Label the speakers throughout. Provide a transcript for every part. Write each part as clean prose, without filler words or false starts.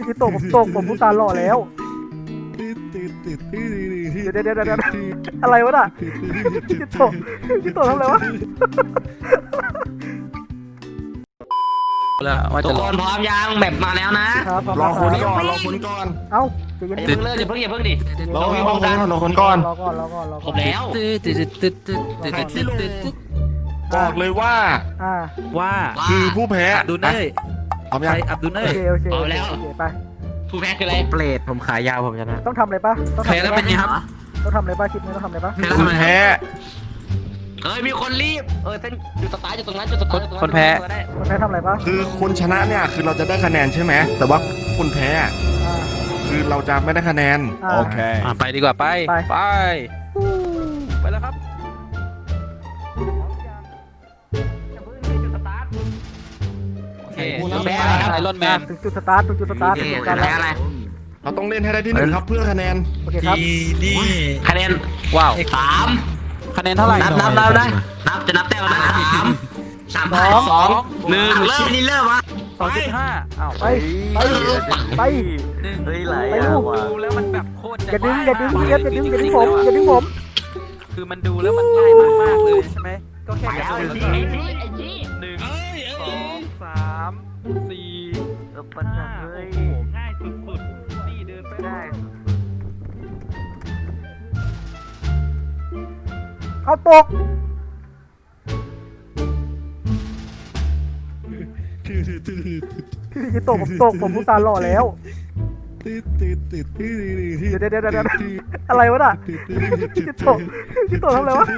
Speaker 1: กิโตะผมตกผมผู้ตาหล่อแล้วเดี๋ยวอะไรวะน่ะพี่กิโตะทำอะไรวะ
Speaker 2: ทุกคนพร้อมยังแบบมาแล้วนะครับ
Speaker 3: รอคนก่อนรอคนก่อน
Speaker 1: เอ้าใจเย็น
Speaker 2: อย่าเพิ่งเลิกอย่าเพิ่งดิ
Speaker 3: รอคนก่อน
Speaker 1: รอก่อน
Speaker 2: ผมแล้ว
Speaker 3: บอกเลยว่า
Speaker 4: ว่า
Speaker 3: คือผู้แพ้
Speaker 4: อับดุลเน่ย
Speaker 3: เอายัง
Speaker 4: ใครอับดุลเน่
Speaker 1: โอย เคไป
Speaker 2: ผู้แพ้คืออะไร
Speaker 4: เปรตผมขายาวผมชนะ
Speaker 1: ต้องทำอะไรป่ะ
Speaker 4: แพ้แล้วเป็นไงครับ
Speaker 1: ต้องทำอะไรป่ะคลิปนี้ต้องทำอะไรป่ะ
Speaker 4: แพ้แล้ว
Speaker 3: ผู้
Speaker 4: ทำไม
Speaker 3: แพ้
Speaker 2: มีคนรีบเส้นอยู่สตาร์ทอยู่ตรงนั้นจุดสตาร์ท
Speaker 1: คนแพ้ทำอะไรป่ะ
Speaker 3: คือคนชนะเนี่ยคือเราจะได้คะแนนใช่ไหมแต่ว่าคนแพ้คือเราจะไม่ได้คะแนน
Speaker 1: โอเค
Speaker 4: ไปดีกว่าไป
Speaker 1: ไป
Speaker 4: ไปแล้วครับ
Speaker 2: โอเค
Speaker 4: แพ้ไอรอนแมน
Speaker 1: ถึงจุดสตาร์ทการ
Speaker 2: แพ้อะไร
Speaker 3: เราต้องเล่นให้ได้ที่หนึ่งครับเพื่อคะแนน
Speaker 1: โอเคครับ
Speaker 2: คะแนน
Speaker 4: ว้าว
Speaker 2: 3
Speaker 4: คะแนนเท่าไหร่
Speaker 2: นับจะนับแต้มแล้วนะ3 2 1เริ่มนี่เริ่มวะ
Speaker 4: 2.5อ้าว
Speaker 1: ไป
Speaker 4: ดูแล้วมันแบบโคตร
Speaker 1: อย่าดึงผม
Speaker 4: คือมันดูแล้วมันง่ายมากๆเลยใช่ไหมก็แค่กระโดดแล้วก็1 2 3 4 5โอ้โหง่ายสุดๆนี่เดินไปได้
Speaker 1: เอาตกพี่กิโตะผมตกผมผู้ตาหล่อแล้วเดี๋ยวอะไรวะน่ะพี่กิโตะทำอะไรวะ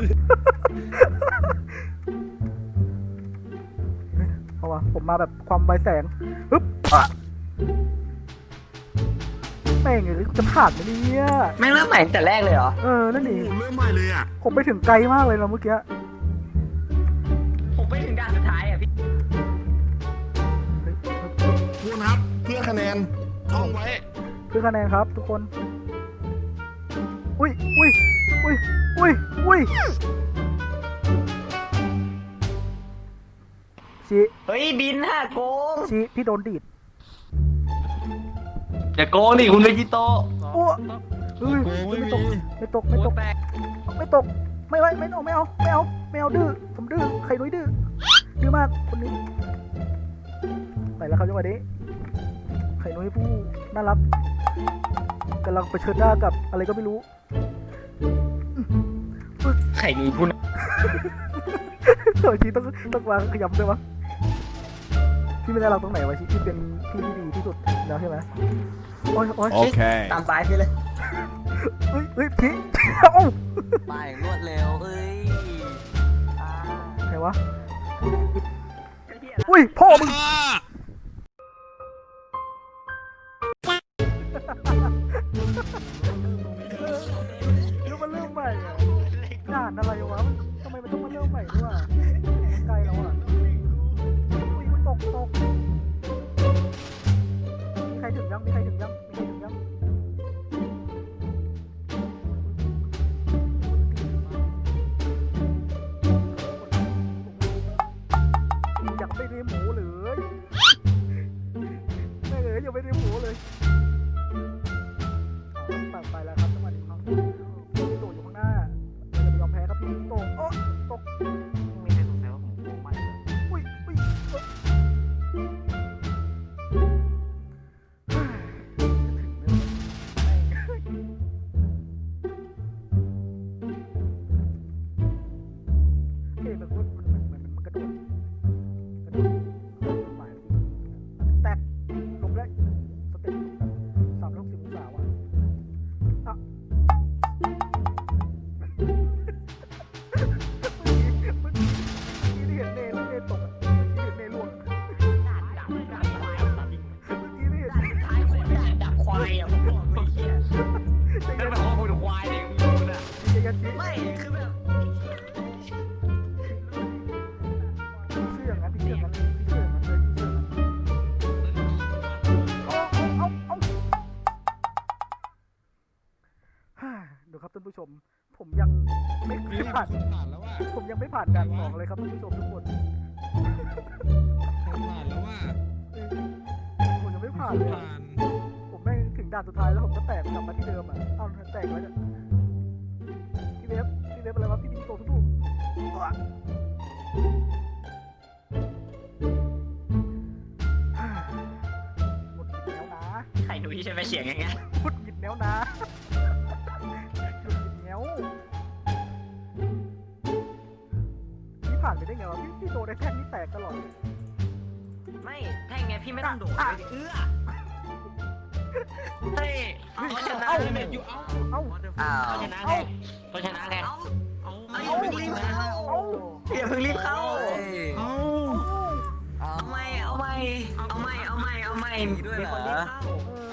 Speaker 1: เอาวะผมมาแบบความไวแสงฮึบแม่งเลยจะผ่านไหมเนี่ย
Speaker 2: ไม่เริ่มใหม่แต่แรกเลยเหรอ
Speaker 1: นั่นนี่
Speaker 3: ผมเริ่มใหม่เลยอ่ะ
Speaker 1: ผมไปถึงไกลมากเลยนะเมื่อกี้
Speaker 2: ผมไปถึงด่านสุดท้ายอ่ะพี่
Speaker 3: ทุกคนครับเพื่อคะแนนท่องไว้
Speaker 1: คือคะแนนครับทุกคนอุ้ยชี้
Speaker 2: เฮ้ยบินโกง
Speaker 1: ชี้พี่โดนดีด
Speaker 2: อย่าโกงดิคุณเวจิโต
Speaker 1: โอ้เฮ้ยไม่ตกไม่เอาดื้อผมดื้อใครนุ้ยดื้อมากคนนี้ไปแล้วครับจังหวะนี้ไข่นุ้ยผู้น่ารักกำลังเผชิญหน้ากับอะไรก็ไม่รู้
Speaker 2: ไข่มีคุณ
Speaker 1: ทีต้องวางขยำด้วยวะพี่ไม่ได้เราตรงไหนวะที่เป็นพี่ที่ดีที่สุดแล้วใช่ไหมโอเค
Speaker 2: ตามสายพี่เลย
Speaker 1: เฮ้ยพี่เอ้า
Speaker 2: ไปรวดเร็ว
Speaker 1: ไหนวะอุ้ยพ่อมึงแล้วมันเริ่มใหม่อ่ะงานอะไรวะทำไมมันต้องมาเริ่มใหม่ด้วยวะไกลแล้วอ่ะอุ้ยมันตกมีใครถึงยังอยากไปเรียนหมูเลยไม่เลยยังไม่ได้หมูเลยไปแล้วครับจังหวะนี้ครับพี่โตอยู่ข้างหน้าจะไปยอมแพ้ครับพี่โตตกมีใครสงสัยว่าผมโกงไหมอุ้ยมันกระโดดแตกลงได้สเต็ป360องศาว่ะอ่ะเมื่อกี้ที่เห็นเนตกเมื่อกี้เห็นเนล่วงเมื่อกี้ที่เห็น
Speaker 2: ดับควายอ่ะผมบอกไม่เหี้ยไม่เป็นข้อมูลควายเองมึงอ่ะไม่คือแบบ
Speaker 1: พี่เชื่องั้นเลยดูครับท่านผู้ชมผมยังไม่ผ่านแล้วว่าผมยังไม่ผ่านการสองเลยครับท่านผู้ชมทุกคน
Speaker 4: ผ่านแล้วว่า
Speaker 1: ผมยังไม่ผ่านเลยด่านสุดท้ายแล้วผมก็แตกกลับมาที่เดิมอ่ะเอ้าแตกแล้วเนี่ยพี่เวฟอะไรวะพี่บิงโตทุกหมดหยิบแล้วนะ
Speaker 2: ไข่นุ้ยใช่ไหมเสียงอย่างเงี้ย
Speaker 1: หมดหยิบแล้วนะหมดหยิบแล้วพี่ผ่านไปได้ไงวะพี่โดนไอ้แท่งนี่แตกตลอด
Speaker 2: ไม่แท่งไงพี่ไม่ต้องโดดเลยเอื้อเฮ้ยเขาชนะเลยอยู่เอ้า
Speaker 1: เอ้า
Speaker 2: เขาชนะไงเขาชนะไงอย่าเพิ่งรีบเข้าอย่าเพิ่งรีบเข้าเอาไม่มีคนรีบเข้า